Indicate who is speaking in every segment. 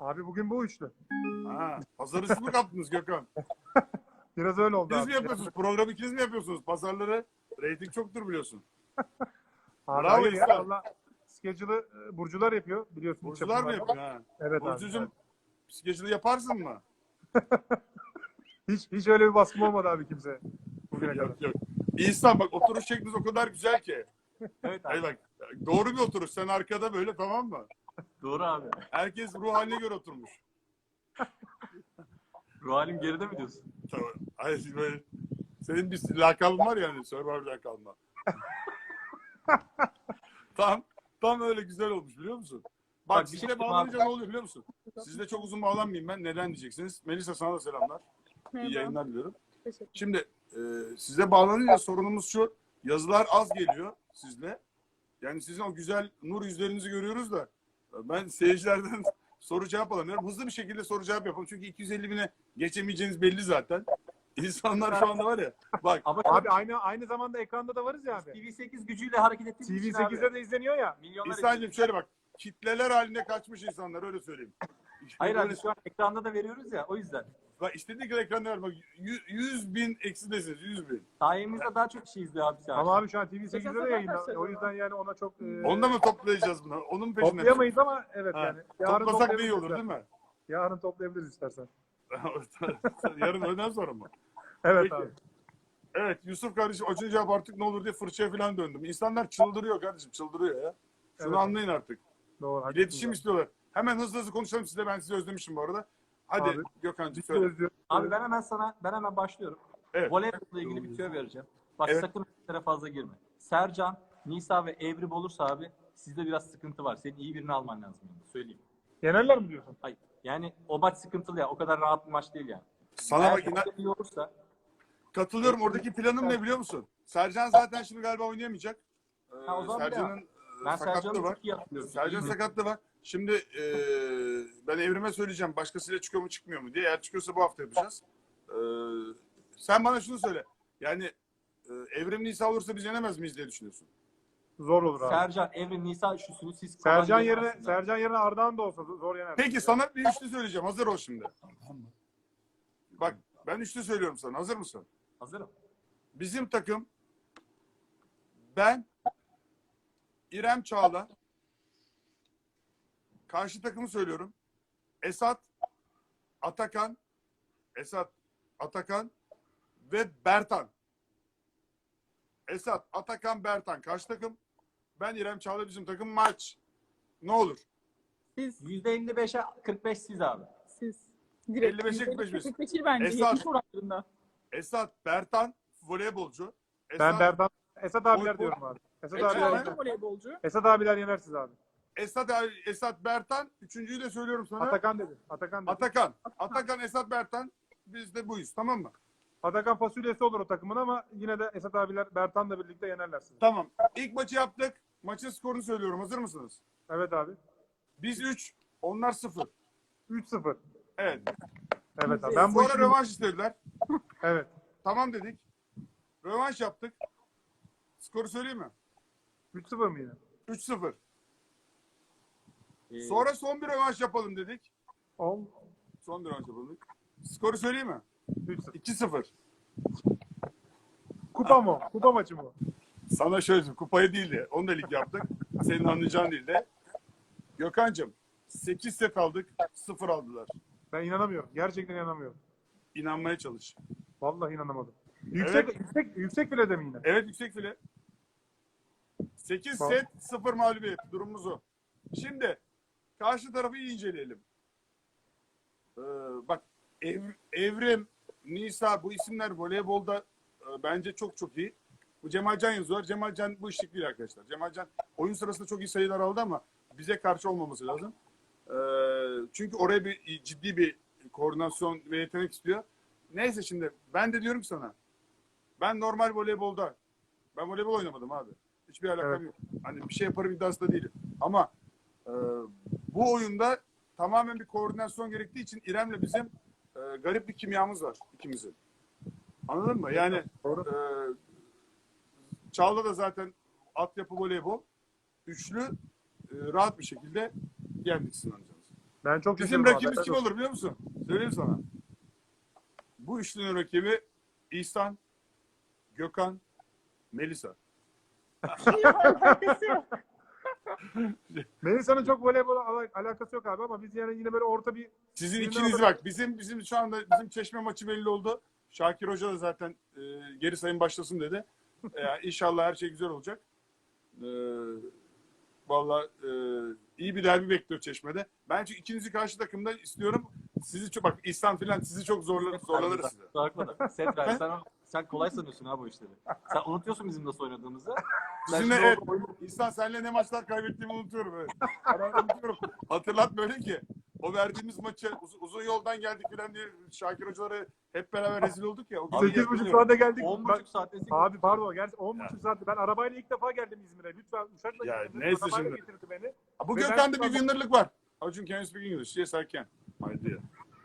Speaker 1: Abi bugün bu üçlü.
Speaker 2: Ha, pazar üstü mü kaptınız Gökhan?
Speaker 1: Biraz öyle oldu
Speaker 2: İkiniz
Speaker 1: abi.
Speaker 2: mi yapıyorsunuz? Programı ikiniz mi yapıyorsunuz? Pazarları reyting çoktur biliyorsun.
Speaker 1: Abi
Speaker 2: Bravo
Speaker 1: hayır ya.
Speaker 2: İhsan.
Speaker 1: Valla schedule'ı burcular yapıyor biliyorsun. iç
Speaker 2: Burcular mı
Speaker 1: yapımlarda.
Speaker 2: yapıyor? Ha.
Speaker 1: Evet abi.
Speaker 2: Burcucuğum psikolojini yaparsın mı?
Speaker 1: Hiç öyle bir baskım olmadı abi kimse. Bugüne kadar.
Speaker 2: Yok yok. İhsan bak oturuş şekliniz o kadar güzel ki.
Speaker 3: Evet abi.
Speaker 2: Hayır bak doğru bir oturuş. Sen arkada böyle tamam mı?
Speaker 3: Doğru abi.
Speaker 2: Herkes ruh haline göre oturmuş.
Speaker 3: Ruh halim geride mi diyorsun?
Speaker 2: Tamam. Hayır böyle. Senin bir lakabın var yani. Survivor'dan kalma. Tam öyle güzel olmuş biliyor musun? Bak
Speaker 3: bir şey
Speaker 2: sizle
Speaker 3: diyeyim
Speaker 2: bağlanınca
Speaker 3: abi.
Speaker 2: ne oluyor biliyor musun? Sizle çok uzun bağlanmayayım ben. Neden diyeceksiniz? Melisa sana da selamlar. İyi yayınlar diliyorum.
Speaker 4: Teşekkür.
Speaker 2: Şimdi size bağlanınca sorunumuz şu. Yazılar az geliyor sizle. Yani sizin o güzel nur yüzlerinizi görüyoruz da ben seyircilerden soru cevap alamıyorum. Hızlı bir şekilde soru cevap yapalım. Çünkü 250 bine geçemeyeceğiniz belli zaten. İnsanlar şu anda var ya. Bak
Speaker 3: Ama
Speaker 1: Abi aynı zamanda ekranda da varız ya abi.
Speaker 3: TV8 gücüyle hareket ettiğimiz için abi.
Speaker 1: TV8'de de izleniyor ya.
Speaker 3: Milyonlar
Speaker 2: İhsan'cığım şöyle bak. Kitleler halinde kaçmış insanlar öyle söyleyeyim.
Speaker 3: Hayır
Speaker 2: Böyle-
Speaker 3: abi şu an ekranda da veriyoruz ya o yüzden.
Speaker 2: Bak istediği kadar ekranda var. Bak 100 bin eksidesiniz 100 bin.
Speaker 3: Sayemizde daha çok kişi izliyor abi şu an.
Speaker 1: Ama abi şu an TV8'de de
Speaker 4: Esasında
Speaker 1: yayında.
Speaker 4: arkadaşlar
Speaker 1: O yüzden yani ona çok
Speaker 2: Onu da mı toplayacağız bunu? Onun mu peşinde?
Speaker 1: toplayamayız ama evet
Speaker 2: Ha,
Speaker 1: yani.
Speaker 2: Toplasak da iyi olur
Speaker 1: toplayabiliriz
Speaker 2: değil mi?
Speaker 1: Yarın toplayabiliriz istersen.
Speaker 2: Yarın öğleden sonra mı?
Speaker 1: Evet
Speaker 2: Peki.
Speaker 1: abi.
Speaker 2: Evet Yusuf kardeşim acınca cevap artık ne olur diye fırçaya falan döndüm. İnsanlar çıldırıyor kardeşim çıldırıyor ya. Şunu
Speaker 1: Evet.
Speaker 2: anlayın artık.
Speaker 1: Doğru.
Speaker 2: İletişim istiyorlar. Hemen hızlı konuşalım size. Ben sizi özlemişim bu arada. Hadi
Speaker 1: Abi,
Speaker 2: Gökhan'cığım
Speaker 1: Bizi
Speaker 2: söyle.
Speaker 1: özlüyoruz.
Speaker 3: Abi ben hemen başlıyorum.
Speaker 2: Evet.
Speaker 3: Voleybolla ilgili bir tüyo vereceğim. Bak
Speaker 2: Evet.
Speaker 3: sakın işlere fazla girme. Sercan, Nisa ve Evrim olursa abi sizde biraz sıkıntı var. Senin iyi birini alman lazım yani. Söyleyeyim.
Speaker 1: Yenerler mi diyorsun?
Speaker 3: Hayır. Yani o maç sıkıntılı ya. O kadar rahat bir maç değil yani.
Speaker 2: Sana
Speaker 3: Eğer
Speaker 2: bak inan,
Speaker 3: iyi olursa
Speaker 2: katılıyorum. Oradaki planım ne biliyor musun? Sercan zaten şimdi galiba oynayamayacak.
Speaker 3: Ha, o zaman
Speaker 2: Sercan'ın
Speaker 3: ben
Speaker 2: sakatlığı
Speaker 3: Sercan'ı
Speaker 2: var.
Speaker 3: çok iyi hatırlıyorum.
Speaker 2: Sercan sakatlığı var. Şimdi ben Evrim'e söyleyeceğim. Başkasıyla çıkıyor mu çıkmıyor mu diye. Eğer çıkıyorsa bu hafta yapacağız. Sen bana şunu söyle. Yani Evrim Nisa olursa biz yenemez miyiz diye düşünüyorsun.
Speaker 1: Zor olur abi.
Speaker 3: Sercan, Evrim, Nisa üçlüsünü siz
Speaker 1: Sercan yerine Ardahan da olsa zor yener.
Speaker 2: Peki sana bir üçlü söyleyeceğim. Hazır ol şimdi. Bak ben üçlü söylüyorum sana. Hazır mısın?
Speaker 3: Hazırım.
Speaker 2: Bizim takım ben, İrem Çağla, karşı takımı söylüyorum. Esat, Atakan ve Bertan. Esat, Atakan, Bertan karşı takım. Ben, İrem Çağla bizim takım maç. Ne olur?
Speaker 4: Siz,
Speaker 3: %55'e 45 siz abi.
Speaker 4: siz. Direkt
Speaker 2: 55'e 45 biz.
Speaker 4: 45 değil bence.
Speaker 2: Esat.
Speaker 4: 70 oranlarında.
Speaker 2: Esat, Bertan voleybolcu.
Speaker 1: Ben Berdan. Esat abiler
Speaker 2: Oy-
Speaker 1: diyorum abi. Esat
Speaker 2: Esat
Speaker 1: abiler
Speaker 2: abi.
Speaker 1: yener.
Speaker 4: Voleybolcu.
Speaker 1: Esat abiler yenersiniz abi.
Speaker 2: Esat, Bertan. Üçüncüyü de söylüyorum sana.
Speaker 1: Atakan dedi. Atakan dedi.
Speaker 2: Atakan, Esat, Bertan. Biz de buyuz tamam mı?
Speaker 1: Atakan fasulyesi olur o takımın ama yine de Esat abiler Bertan'la birlikte yenerler sizi.
Speaker 2: Tamam. İlk maçı yaptık. Maçın skorunu söylüyorum. Hazır mısınız?
Speaker 1: Evet abi.
Speaker 2: Biz 3, onlar 0.
Speaker 1: 3-0.
Speaker 2: Evet.
Speaker 1: Evet abi. Ben bu
Speaker 2: Sonra
Speaker 1: işi...
Speaker 2: rövanş istediler.
Speaker 1: Evet.
Speaker 2: Tamam dedik. Rövanş yaptık. Skoru söyleyeyim mi?
Speaker 1: 3-0 mı yine?
Speaker 2: 3-0.
Speaker 3: Ee,
Speaker 2: Sonra son bir rövanş yapalım dedik.
Speaker 1: 10.
Speaker 2: Son bir rövanş yapalım dedik. Skoru söyleyeyim mi?
Speaker 1: 3-0.
Speaker 2: 2-0.
Speaker 1: Kupa mı? Kupa maçı mı?
Speaker 2: Sana şöyle söyleyeyim, kupayı değil de onu da lig yaptık. Senin anlayacağın değil de. Gökhan'cığım 8 set aldık. 0 aldılar.
Speaker 1: Ben inanamıyorum. Gerçekten inanamıyorum.
Speaker 2: İnanmaya çalış.
Speaker 1: Vallahi inanamadım. Yüksek bile de mi yine?
Speaker 2: Evet yüksek file. 8
Speaker 1: Tamam.
Speaker 2: set 0 mağlubiyet. Durumumuz o. Şimdi karşı tarafı iyi inceleyelim. Bak Evrim, Nisa bu isimler voleybolda bence çok çok iyi. Bu Cemalcan yazıyor. Cemalcan bu işlik değil arkadaşlar. Cemalcan oyun sırasında çok iyi sayılar aldı ama bize karşı olmaması lazım. Çünkü oraya bir ciddi bir koordinasyon ve yetenek istiyor. Neyse şimdi ben de diyorum ki sana ben normal voleybolda ben voleybol oynamadım abi. Hiçbir alakam
Speaker 1: Evet.
Speaker 2: yok. Hani bir şey yaparım iddiasında değilim. Ama bu oyunda tamamen bir koordinasyon gerektiği için İrem'le bizim garip bir kimyamız var ikimizin. Anladın mı? Yani
Speaker 1: Doğru.
Speaker 2: Çağla da zaten altyapı voleybol. Üçlü rahat bir şekilde yendik sınırlayacağız.
Speaker 1: Ben çok
Speaker 2: Bizim
Speaker 1: şaşırdım
Speaker 2: rakibimiz
Speaker 1: abi.
Speaker 2: kim olur biliyor musun? Söyleyeyim sana. Bu üçlünün rakibi İhsan, Gökhan, Melisa.
Speaker 4: Alakası yok.
Speaker 1: Melisa'nın çok voleybola alakası yok abi ama biz yani yine böyle orta bir
Speaker 2: Sizin
Speaker 1: birini
Speaker 2: ikiniz
Speaker 1: alalım.
Speaker 2: bak. Bizim şu anda bizim Çeşme maçı belli oldu. Şakir Hoca da zaten geri sayım başlasın dedi. İnşallah her şey güzel olacak. Vallahi iyi bir derbi bekliyor Çeşme'de. Ben çünkü ikinizi karşı takımda istiyorum. Sizi çok bak İhsan filan sizi çok zorlanırız size.
Speaker 3: Setray, sen kolay sanıyorsun ha bu işleri. Sen unutuyorsun bizim nasıl oynadığımızı. Sen
Speaker 2: Sizinle
Speaker 3: şimdi
Speaker 2: evet.
Speaker 3: orada
Speaker 2: İhsan senle ne maçlar kaybettiğimi unutuyorum. Evet. Ben unutuyorum. Hatırlat böyle ki. O verdiğimiz maçı uzun yoldan geldik filan diye Şakir hocalara hep beraber rezil olduk ya. O günü
Speaker 1: 8,5
Speaker 2: hatırlıyorum.
Speaker 1: saate geldik.
Speaker 3: 10,5 saatte
Speaker 1: Abi pardon gerçi 10,5 saatte. Ben arabayla ilk defa geldim İzmir'e. Lütfen uçakla
Speaker 2: Ya
Speaker 1: geldim.
Speaker 2: neyse
Speaker 1: Arabayla
Speaker 2: şimdi.
Speaker 1: getirdi beni.
Speaker 2: Bu
Speaker 1: Ve
Speaker 2: Gökhan'da
Speaker 1: ben-
Speaker 2: bir winner'lık var. Acun can you speak English? Yes I can. My dear.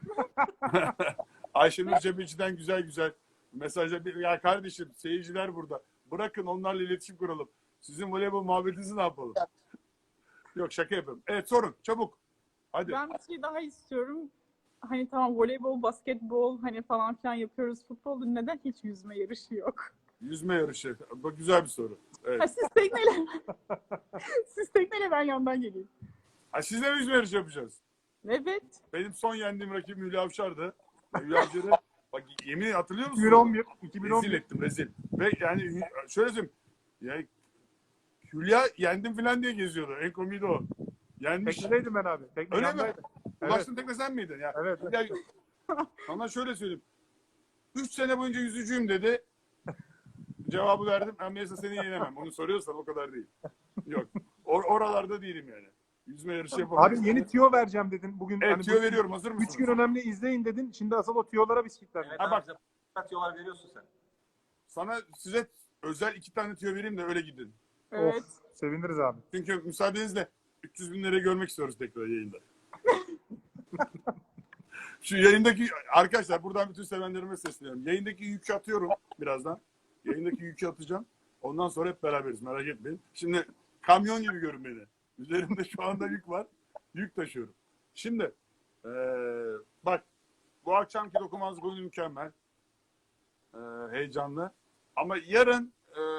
Speaker 2: Ayşenur Cebeci'den güzel mesajlar. Ya kardeşim seyirciler burada. Bırakın onlarla iletişim kuralım. Sizin voleybol muhabbetinizi ne yapalım? Yok şaka yapıyorum. Evet sorun çabuk. Hadi.
Speaker 4: Ben bir şey daha istiyorum. Hani tamam voleybol, basketbol hani falan filan yapıyoruz. Futbolda neden hiç yüzme yarışı yok?
Speaker 2: Yüzme yarışı. Bak güzel bir soru.
Speaker 4: Ha,
Speaker 2: Evet.
Speaker 4: siz tekneyle. Siz tekneyle ben yandan geleyim.
Speaker 2: Ha, sizle mi yüzme yarışı yapacağız?
Speaker 4: Evet.
Speaker 2: Benim son yendiğim rakibim Hülya Avşar'dı. Hülya Avşar'ı bak yemin hatırlıyor musun?
Speaker 1: 2011.
Speaker 2: Rezil
Speaker 1: 2011.
Speaker 2: ettim rezil. Ve yani şöyle söyleyeyim. Yani Hülya yendim falan diye geziyordu. En komiği de o. Yenmiş.
Speaker 1: Teknedeydim ben abi. Tekne
Speaker 2: Öyle mi?
Speaker 1: yandaydım. Evet.
Speaker 2: Ulaştın tekne sen miydin? Ya,
Speaker 1: Evet.
Speaker 2: Hülya, sana şöyle söyleyeyim. 3 sene boyunca yüzücüyüm dedi. Cevabı verdim. Ben mesela seni yenemem. Onu soruyorsan o kadar değil. Yok. Oralarda değilim yani. Yüzme yarışı yapamam.
Speaker 1: Abi yeni tüyo vereceğim dedin. Bugün
Speaker 2: Evet
Speaker 1: hani
Speaker 2: tüyo
Speaker 1: bu-
Speaker 2: veriyorum. Hazır mısınız?
Speaker 1: 3 gün önemli izleyin dedin. Şimdi asıl o tüyolara biz kilitlendik.
Speaker 3: Evet,
Speaker 2: Ha, bak.
Speaker 3: bize atıyorlar veriyorsun sen.
Speaker 2: Size özel 2 tane tüyo vereyim de öyle gidin.
Speaker 4: Evet.
Speaker 1: Of, seviniriz abi.
Speaker 2: Çünkü müsaadenizle 300 bin lirayı görmek istiyoruz tekrar yayında. Şu yayındaki arkadaşlar buradan bütün sevenlerime sesleniyorum. Yayındaki yükü atıyorum birazdan. Yayındaki yükü atacağım. Ondan sonra hep beraberiz merak etmeyin. Şimdi kamyon gibi görün beni. Üzerimde şu anda yük var. Yük taşıyorum. Şimdi bak bu akşamki dokunmazlık oyunu mükemmel. Heyecanlı. Ama yarın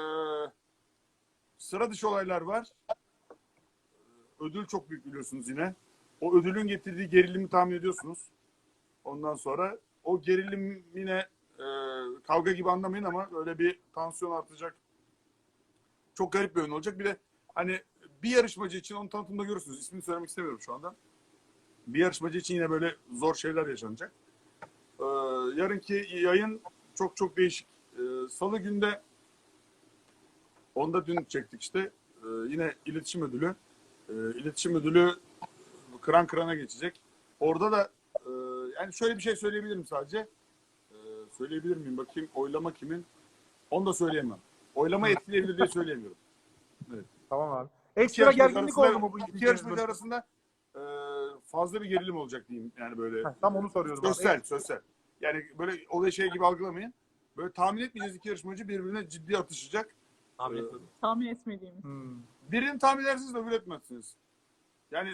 Speaker 2: sıra dışı olaylar var. Ödül çok büyük biliyorsunuz yine. O ödülün getirdiği gerilimi tahmin ediyorsunuz. Ondan sonra o gerilim yine kavga gibi anlamayın ama öyle bir tansiyon artacak. Çok garip bir oyun olacak. Bir de hani bir yarışmacı için onu tanıtımda görürsünüz. İsmini söylemek istemiyorum şu anda. Bir yarışmacı için yine böyle zor şeyler yaşanacak. Yarınki yayın çok değişik. Salı günde onu da dün çektik işte. Yine iletişim ödülü. İletişim ödülü kıran kırana geçecek. Orada da yani şöyle bir şey söyleyebilirim sadece. Söyleyebilir miyim? Bakayım oylama kimin? Onu da söyleyemem. Oylama etkileyebilir diye söyleyemiyorum.
Speaker 1: Tamam abi.
Speaker 2: İki
Speaker 1: Ekstra
Speaker 2: yarışmacı
Speaker 1: gerginlik
Speaker 2: arasında-
Speaker 1: oldu mu bu
Speaker 2: İki yarışmacı arasında fazla bir gerilim olacak diyeyim. Yani böyle
Speaker 1: Tam onu soruyorum abi.
Speaker 2: sosyal. Yani böyle olay şey gibi algılamayın. Böyle tahmin etmeyeceğiz iki yarışmacı birbirine ciddi atışacak.
Speaker 3: Tahmin
Speaker 2: Ee,
Speaker 3: etmedim.
Speaker 4: Tahmin etmediğimiz.
Speaker 1: Hmm.
Speaker 2: Birini tahmin edersiniz de öbür etmezsiniz. Yani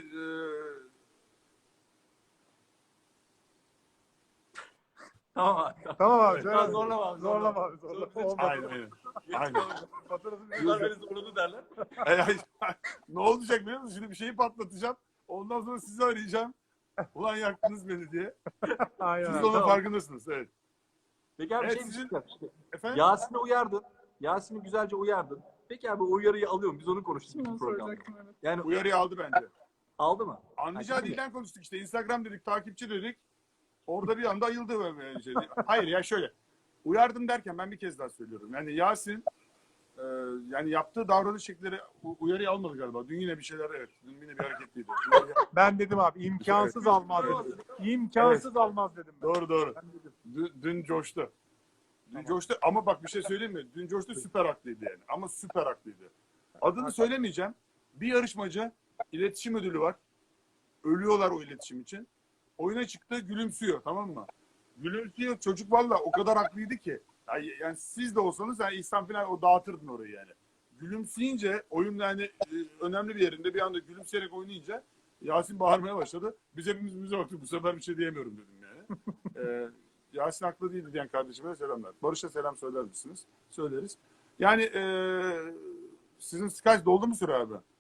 Speaker 3: Tamam abi.
Speaker 1: Tamam abi.
Speaker 2: Evet.
Speaker 1: söyle.
Speaker 3: Ya zorlama abi,
Speaker 1: Zorlama abi.
Speaker 3: zorlama.
Speaker 1: Zorlama. Olmadı.
Speaker 2: aynen. Aynen.
Speaker 1: Faturası ne?
Speaker 3: Bunlar beni zorladı derler.
Speaker 2: Ne olacak biliyor musun? Şimdi bir şeyi patlatacağım. Ondan sonra sizi arayacağım. Ulan yaktınız beni diye.
Speaker 1: Aynen
Speaker 2: Siz
Speaker 1: abi.
Speaker 2: de onun
Speaker 3: Tamam.
Speaker 2: farkındasınız. Evet.
Speaker 3: Peki abi
Speaker 2: Evet,
Speaker 3: şey
Speaker 2: sizin-
Speaker 3: diyeceğim.
Speaker 2: Efendim?
Speaker 3: Yasin'i uyardın. Yasin'i güzelce uyardın. Peki abi o uyarıyı alıyorum. Biz onu konuştuk
Speaker 4: Şimdi
Speaker 3: bütün
Speaker 4: onu
Speaker 3: programda.
Speaker 4: soracaktım evet.
Speaker 3: Yani
Speaker 2: Uyarıyı aldı bence.
Speaker 3: aldı mı?
Speaker 2: Anlayacağı
Speaker 3: Şimdi-
Speaker 2: dilden konuştuk işte. Instagram dedik, takipçi dedik. Orada bir anda ayıldı böyle şey. Hayır ya şöyle. Uyardım derken ben bir kez daha söylüyorum. Yani Yasin yani yaptığı davranış şekilleri uyarıyı almadı galiba. Dün yine bir şeyler evet. Dün yine bir hareketliydi.
Speaker 1: Ben dedim abi imkansız almaz dedim. İmkansız almaz dedim ben.
Speaker 2: Doğru.
Speaker 1: Ben dedim.
Speaker 2: Dün coştu. Dün coştu ama bak bir şey söyleyeyim mi? Dün coştu süper haklıydı yani. Ama süper haklıydı. Adını söylemeyeceğim. Bir yarışmacı iletişim ödülü var. Ölüyorlar o iletişim için. Oyuna çıktı gülümsüyor tamam mı? Gülümsüyor çocuk valla o kadar haklıydı ki. Yani siz de olsanız yani İhsan falan o dağıtırdın orayı yani. Gülümseyince oyun yani önemli bir yerinde bir anda gülümseyerek oynayınca Yasin bağırmaya başladı. Biz hepimiz bize baktık. Bu sefer bir şey diyemiyorum dedim yani. Yasin haklı değildi diyen kardeşime de selamlar. Barış'a selam söyler misiniz? Söyleriz. Yani sizin Skype doldu mu süre abi?